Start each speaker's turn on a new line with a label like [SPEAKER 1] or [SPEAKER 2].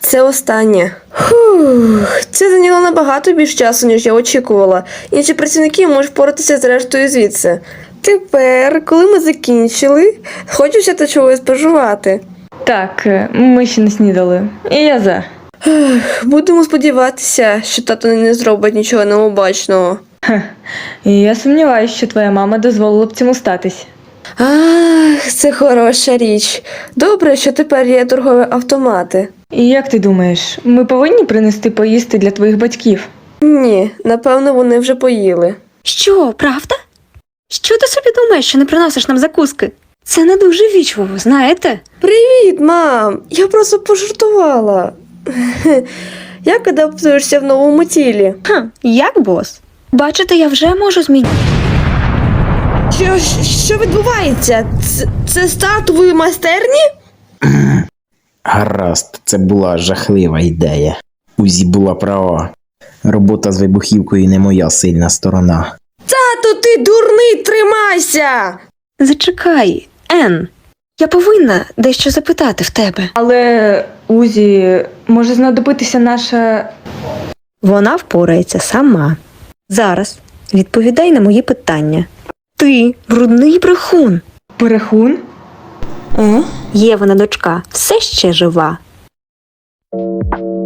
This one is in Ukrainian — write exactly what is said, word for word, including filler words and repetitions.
[SPEAKER 1] це останнє. Фух, це зайняло набагато більш часу, ніж я очікувала. Інші працівники можуть впоратися з рештою звідси. Тепер, коли ми закінчили, хочеться та чогось пожувати.
[SPEAKER 2] Так, ми ще не снідали. І я за.
[SPEAKER 1] Ех, будемо сподіватися, що тато не зробить нічого необачного.
[SPEAKER 2] Хе. І я сумніваюся, що твоя мама дозволила б цьому статись.
[SPEAKER 1] Ах, це хороша річ. Добре, що тепер є торгові автомати.
[SPEAKER 2] І як ти думаєш, ми повинні принести поїсти для твоїх батьків?
[SPEAKER 1] Ні, напевно, вони вже поїли.
[SPEAKER 3] Що, правда? Що ти собі думаєш, що не приносиш нам закуски? Це не дуже вічливо, знаєте?
[SPEAKER 1] Привіт, мам! Я просто пожартувала. Як адаптуєшся в новому тілі?
[SPEAKER 3] Хм, як бос? Бачите, я вже можу змінити.
[SPEAKER 1] Що, що відбувається? Це, це стартової майстерні?
[SPEAKER 4] Гаразд, це була жахлива ідея. Узі була права. Робота з вибухівкою не моя сильна сторона.
[SPEAKER 1] Тато, ти дурний, тримайся!
[SPEAKER 3] Зачекай, Ен. Я повинна дещо запитати в тебе.
[SPEAKER 2] Але, Узі, може знадобитися наша...
[SPEAKER 3] Вона впорається сама. Зараз відповідай на мої питання. Ти брудний брехун.
[SPEAKER 2] Перехун?
[SPEAKER 3] Євина дочка все ще жива.